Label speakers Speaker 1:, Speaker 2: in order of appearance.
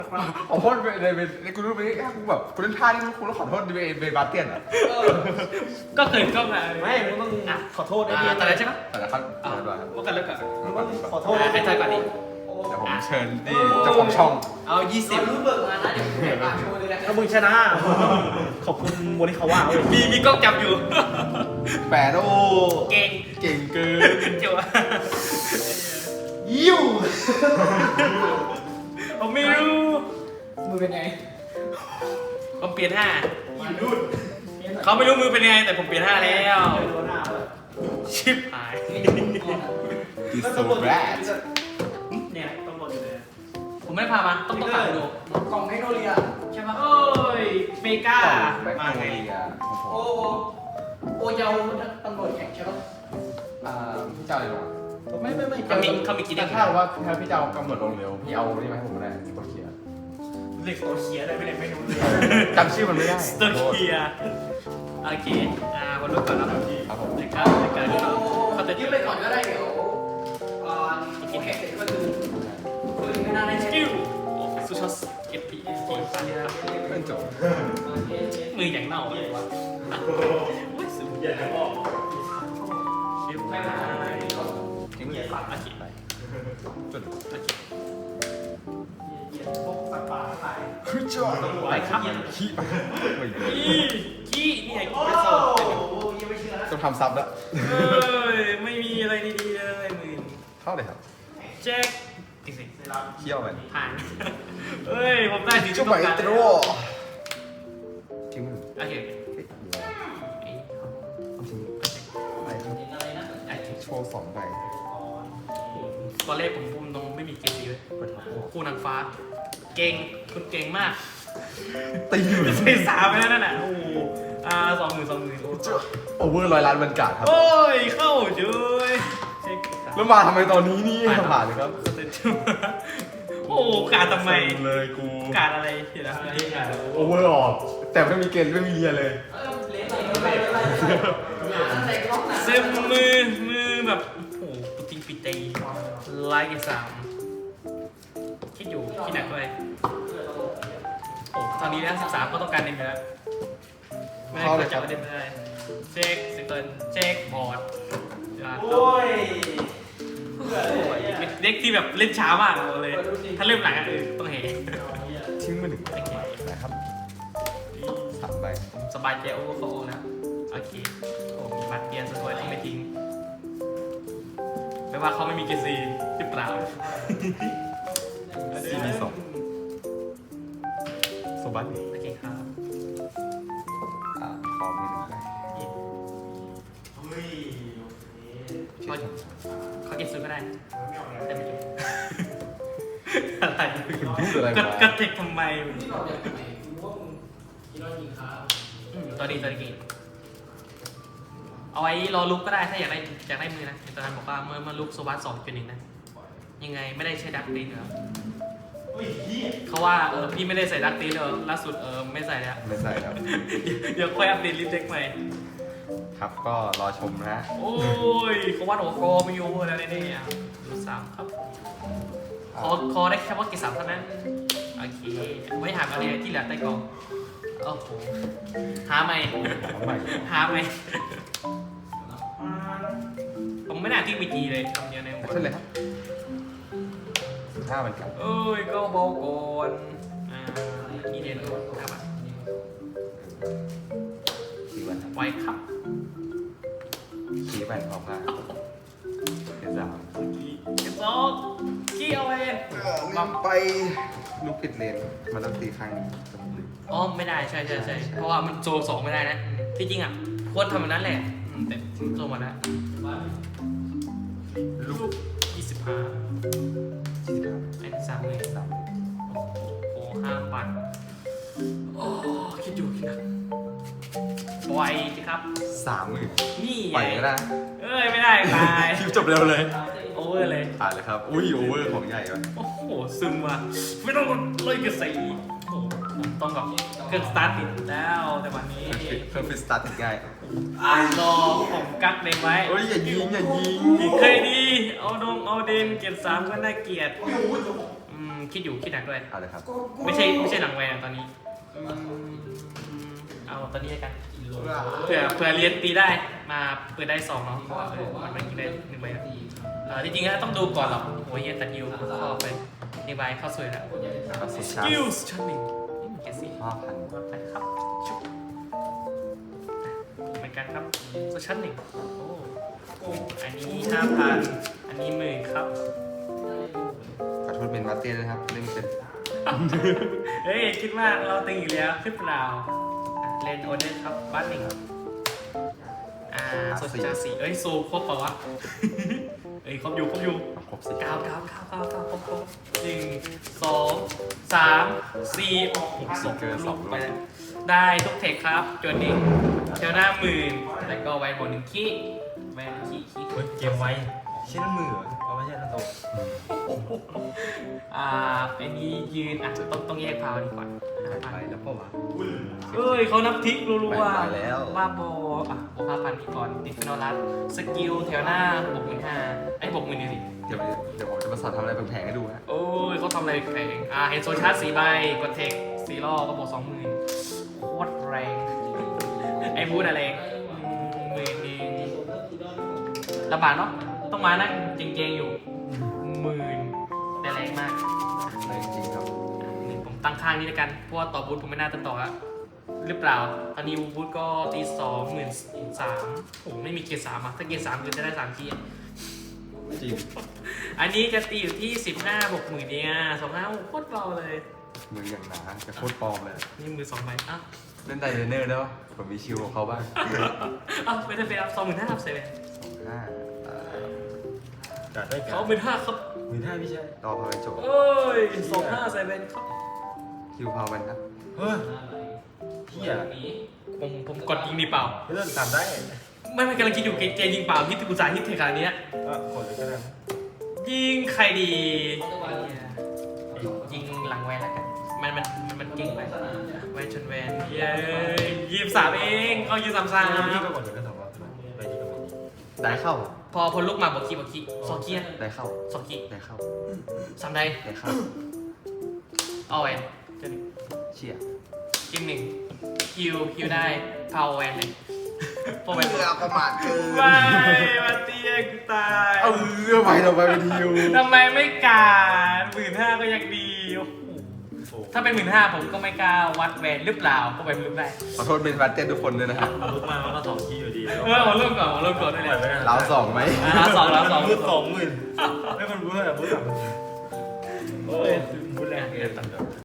Speaker 1: ขอโทษในกูรู้ไหมกูแบบกูเล่นท่านี่กูต้องขอโทษเบย์บาเตียนอ่ะ
Speaker 2: ก็เคยก็มา
Speaker 3: ไม่มึงต้องขอโทษไอ้
Speaker 2: อ่า
Speaker 3: เดีย
Speaker 2: ตอนนั้นใช่ปะ
Speaker 1: แต่ละครับเรียบร้อยครับ
Speaker 2: ว่ากันแล้วกัน
Speaker 3: มึงต้องขอโทษ
Speaker 2: ไอ้ทอยก่อนดิ
Speaker 1: เดี๋ยวผมเชิญนี่เจ้าของช่อง
Speaker 2: เอา20
Speaker 4: รู้เบิกมานะเดี๋ยวผมแข่งปากโชว์เลยแหละ
Speaker 3: ถ้ามึงชนะ ขอบคุณโมนิคาวะเว้ย
Speaker 2: มีกล้องจับอยู่
Speaker 1: แปดโอ้
Speaker 2: เก่ง
Speaker 1: เก่งเกิน
Speaker 2: เจ๋ว
Speaker 3: ยิ้ว
Speaker 2: ผมไม่รู้
Speaker 4: มือเป็นไง
Speaker 2: ผมเปลี่ยน5เขาไม่รู้มือเป็นยังไงแต่ผมเปลี่ยน5แล้ว
Speaker 3: โดนหน้าเลย
Speaker 2: ชิบหาย
Speaker 1: ดิสโซแรด
Speaker 3: เนี่ยตำรวจอยู่เลย
Speaker 2: ผมไม่ได้พามาต้องตามดู
Speaker 4: กล่องไมโนเรียใช่ปะ
Speaker 2: โอ้ยเมกา
Speaker 1: แบ็ค
Speaker 2: มา
Speaker 1: โน
Speaker 2: ไง
Speaker 1: เรียของผม
Speaker 4: โอ้จะเอาตำรวจแข่งใช่ปะ
Speaker 1: พี่เจ้าอะไรลง
Speaker 4: ไม่
Speaker 2: เขามีกี่เด้ง
Speaker 1: ถ้าว่าพี่เจ้ากำหนดลงเร็วพี่เอานี่มาให้ผมก็ได้กดเขียน
Speaker 3: เรียกตัวเชียร์ได้ไม่ได้ไม่รู้เลย
Speaker 1: จำชื่อมันไม่ได้
Speaker 2: สเตอร์เคียโอเควันรุ่นก่อนนะครับ
Speaker 1: ครับผม
Speaker 2: ในการเขาจะ
Speaker 4: ยืมไปก่อนก็ได้เดี๋ยวแข่งเสร็จก็คือไม่น่าได้
Speaker 2: ส
Speaker 4: ใช่
Speaker 2: กิลซูชอสเอฟพีตีฟันครับ
Speaker 1: เพื่อนจบ
Speaker 2: มืออย่างเน่าเลยวะโอ้ยสูงใหญ่แล้วชิบไม่ได้
Speaker 1: ทิ้งมือ
Speaker 2: โอเค
Speaker 1: ไปจน
Speaker 2: โอเค
Speaker 3: พวกสัตว์ป่าทั้งหลาย
Speaker 1: คือจอด
Speaker 2: ไปครับ
Speaker 1: ขี้ไปไม่ดี
Speaker 2: ขี้นี่ไงขี้เป็นโซน
Speaker 3: ยังไม่เชื่อ
Speaker 1: ต้องทำซับแล้ว
Speaker 2: เอ้ยไม่มีอะไรดีๆเลยมือ
Speaker 1: เท่าเลยครับ
Speaker 2: เช็คอีกสิ
Speaker 1: เที่ยวไป
Speaker 2: ผ่านเอ้ยผมได้ถึง
Speaker 1: จุ๊บไปตรัวทิ้งมือ
Speaker 2: โอเค
Speaker 1: ทิ้งไป
Speaker 4: อะไรนะ
Speaker 1: โชว์สองใบ
Speaker 2: ตอนแรกผมพูดตรงไม่มีเกมดีเลย
Speaker 1: เปิดท็อปโอ้
Speaker 2: คู่นางฟ้า เก่งคุณเก่งมาก
Speaker 1: ตีอยู่
Speaker 2: ใส่3ไปแล้วนั่นน่ะโอ้โห20,000โอ้
Speaker 1: โอเวอร์100 ล้านบรรกาศครับ
Speaker 2: โอ้ยเข้าเฉยเช็ค
Speaker 1: แล้วมาทำไมตอนนี้นี่ผ่านเลยครับ
Speaker 2: สเตนชูโอ้การทำไม
Speaker 1: เลยกู
Speaker 2: การอะไรเดี๋ยวนะ
Speaker 1: โอเวอร์ออก แต่ไม่มีเกณฑ์ไม่มีเรียเลย
Speaker 4: เล่นอะไรตั้งแต่กล้องนะ
Speaker 2: เซมมือแบบโอ้โหปุติงปิตีไลค์กัน3คิดอยู่คิดหนักด้วยโอ้ตอนนี้นะ13ก็ต้องการเด่นไปแล้วไม่ได้กดจับประเด็นไม่ได้เช็คสเตนเช็คบอร์ด
Speaker 3: โอ้ย
Speaker 2: เด็กที่แบบเล่นช้ามากเลย ถ้าเริ่มหลังต้องเห
Speaker 1: ทิ้งมือหนึ่ง
Speaker 2: โอเค
Speaker 1: นะครับ3 ใบ
Speaker 2: สบายใจโอเวอร์โฟนะโอเคโอ้มีบัตรเบียร์สวยๆต้องไม่ทิ้งไม่ว่าเขาไม่มีเกซีหรือเปล่า
Speaker 1: CB2 โซบัส
Speaker 2: โอเคครับ
Speaker 1: ขอมือหนึ่งใบ
Speaker 3: เฮ้ย
Speaker 2: เขาเก็บซื้อก็ได้
Speaker 3: ไม่เอาแล้ว
Speaker 2: แต่ไม่เก็บอะไร
Speaker 1: พูดอะไร
Speaker 2: ก็
Speaker 1: มา
Speaker 2: ก็เทคทำไม
Speaker 4: ที่เราอยากไหนรู้ว่ามึงกินแล้วยิงขา
Speaker 2: ตัวดีเกตเอาไว้รอลุกก็ได้ถ้าอยากได้มือนะตอนนั้นบอกว่าเมื่อลุกโซบัส2.1นะยังไงไม่ได้ใช้ดักตีนเหรอ
Speaker 3: เฮ้ยเฮีย
Speaker 2: เขาว่าพี่ไม่ได้ใส่ดักตีนเลยล่าสุดไม่ใส่แล้ว
Speaker 1: ไม่ใส่ครับ
Speaker 2: เดี๋ยวค่อยอัปเดตลิสต์เด็กใหม่
Speaker 1: ครับก็รอชมนะ
Speaker 2: โอ้ยเขาว่าโอ้โหไม่อยู่แล้วเนี่ยดู3ครับคอได้แค่ว่าเกรด3เท่านั้นโอเคไม่หาอะไรที่เหลือใต้กล่องโอ้โหหาไหม
Speaker 1: เอาใหม่
Speaker 2: หาไหมผมไม่น่าที่มีจีเลยคำเดียวในหัว
Speaker 1: เช่นเลยครับ15 บรรกาศ
Speaker 2: เอ้ยก็บอกก่อนนี่เด่นครับ
Speaker 1: 4 วันครับ
Speaker 2: ไว้ครับ
Speaker 1: 4 วันพร้อมกันเดี๋ยว3
Speaker 2: เก็บซอกขี้เอาเอง
Speaker 1: ลืมไปลูกปิดเลนมันต้องตีข้างนี้
Speaker 2: อ๋อไม่ได้ใช่เพราะว่ามันโซ2ไม่ได้นะที่จริงอ่ะควรทำแบบนั้นแหละแต่โซมาแล้ว
Speaker 1: ลูก
Speaker 2: 25ไอ้3เลย โอ้5 ปันโอ้คิดอยู่คิดนะปล่อยสิครับ
Speaker 1: 30,000
Speaker 2: นี่
Speaker 1: ปล่อยก็ได้
Speaker 2: เอ้ยไม่ได้ตาย
Speaker 1: คลิปจบเร็วเลย
Speaker 2: โอเวอร์เลย
Speaker 1: ผ่านเลยครับอุ้ยโอเวอร์ของใหญ่วะ
Speaker 2: โอ้โหซึมว่ะไม่ต้องเลยกระสีโอ้โหผมต้องกับเครื่องสตาร์ทติดแล้วแต่วันนี้
Speaker 1: เพิ่มเป็นสตาร์ทง่าย
Speaker 2: รอผมกักเด็กไว้
Speaker 1: โอ้ยอย่ายิง
Speaker 2: เคยดีเอาเดนเกียรติ3ก็น่าเกลียดคิดอยู่คิดหนักด้วย
Speaker 1: เอาเลยครับ
Speaker 2: ไม่ใช่หลังแวนตอนนี้เอาตอนนี้แล้วกันเผื่อเรียนตีได้มาเปิดได้2เนาะเพราะว่ามันไม่กินได้1ใบนะจริงๆแล้วต้องดูก่อนหรอกโอ้ยตัดยิวเข้าไป1ใบเข้าสวยแล้ว
Speaker 1: ก็สุด
Speaker 2: ส
Speaker 1: ชา
Speaker 2: กิลชั้นหนึ่งเกสิ
Speaker 1: 5,000
Speaker 2: ไปครับชุบเหมือนกันครับโซชั้นหนึ่งโอ้อันนี้5,000อันนี้10,000ครับ
Speaker 1: ขอโทษเป็นมาเต้ด้วยครับเล่นเป็น
Speaker 2: เฮ้ยคิดว่าเราตึงอีกแล้วหรือเปล่าเล่นโอเดอร์ครับบ้านหนึ่งโซชาสีเอ้ยโซครบเปล่าวะ เอ้ยครบอยู่
Speaker 1: ครบสิ
Speaker 2: 9ครบ1 2 3 4 6 ลูกไปแล้วได้ทุกเทคครับจนนี้เทลหน้า10,000แล้วก็ไว้บน1ขี้แวนขี้
Speaker 3: เฮ้ยเกมไว้ใช่นั่นมือเหรอเอาไม่ใช่นั่นโต
Speaker 2: อันนี้ยืนต้องแยกพาวดีกว่า
Speaker 1: ไปแล้วป่าวะ
Speaker 2: เอ้ยเขานับทิกรัว
Speaker 1: ไปแล้ว
Speaker 2: บ้าบอโอ้5,000นี่ก่อนติดฟินอลรัสสกิลแถวหน้า65,000ไอ้60,000นี่สิ
Speaker 1: เดี๋ยวผมจะมาสอนทำอะไรแผงๆให้ดูฮะ
Speaker 2: โอ้ยเขาทำอะไรแข่งเห็นโซชาร์จ4ใบกดเทค4รอบก็บอก 20,000โคตรแรงไอ้บูธอะไร10,000ลำบากเนาะต้องมานั่งเจงๆอยู่10,000ได้แรงมาก
Speaker 1: เลยจริงครับ
Speaker 2: ผมตั้งข้างนี้แล้วกันเพราะว่าต่อบูธผมไม่น่าจะต่อละหรือเปล่าตอนนี้บูธก็ตี23,000โอ้ไม่มีเกียร์3ถ้าเกียร์3คือจะได้3เกียร์
Speaker 1: จริง
Speaker 2: อันนี้จะตีอยู่ที่15 60,000เนี่ย25โคตรเบาเลย
Speaker 1: มืออย่างหนาจะโคตรปลอมเลย
Speaker 2: นี่มือ2ใบ
Speaker 1: เล่นไดเรเนอร์ได้ปะผมมีชิวของเขาบ้าง
Speaker 2: ไม่ได้ไปรับ25,000ครับเซเว่น
Speaker 1: 5
Speaker 3: จัดได้กัน
Speaker 2: เขา15,000ครับ
Speaker 3: 15,000พี่ชาย
Speaker 1: ต่อพอไปจบ
Speaker 2: เอ้ย25เซเว่นครับ
Speaker 1: คิวพาวมันครับ
Speaker 3: เฮ้ยเฮีย
Speaker 2: นี้ผมกดยิงดีเปล่า
Speaker 3: เรื่องตามได้
Speaker 2: ไม่กำลังคิดอยู่เกยิงเปล่าที่กุศลฮิตเทคานี้
Speaker 3: กดเลยก็ได้
Speaker 2: ยิงใครดียิงหลังแวนแล้วกันมันเก่งไปแวนชนแวนเย้23เองเอา23
Speaker 3: พี่ก็กดเลยก็ถามว่าไปที่กำลัง
Speaker 1: ได้เข้า
Speaker 2: พอลุกมาบอกคีสองคี
Speaker 1: ได้เข้า
Speaker 2: 2คี
Speaker 1: ได้เข้า
Speaker 2: 3ได้
Speaker 1: ได้เข้า
Speaker 2: เอาแวน
Speaker 1: เชี่ย
Speaker 2: กิม1คิวได้พาวแวนเลยพอแวน
Speaker 1: ประมาทเกิน
Speaker 2: ไม่มาเตี้ยกูตาย
Speaker 1: ไปเราไปเป็นทิว
Speaker 2: ทำไมไม่การ15,000ก็ยังดีโอ้โหถ้าเป็น15,000ผมก็ไม่กล้าวัดแวนหรือเปล่าก็ไปลุกได้
Speaker 1: ขอโทษเป็นมาเต้ทุกคนด้วยนะครับ
Speaker 3: ลุกมามันก็2 คีย์อยู่ดี
Speaker 2: ผมเริ่มก่อนด้วยเลย
Speaker 1: เราสองไหม
Speaker 2: เราสอง
Speaker 3: บูธ20,000ไม่คนบูธอะไรบูธ3,000โอ้ยบูธแรงเกิน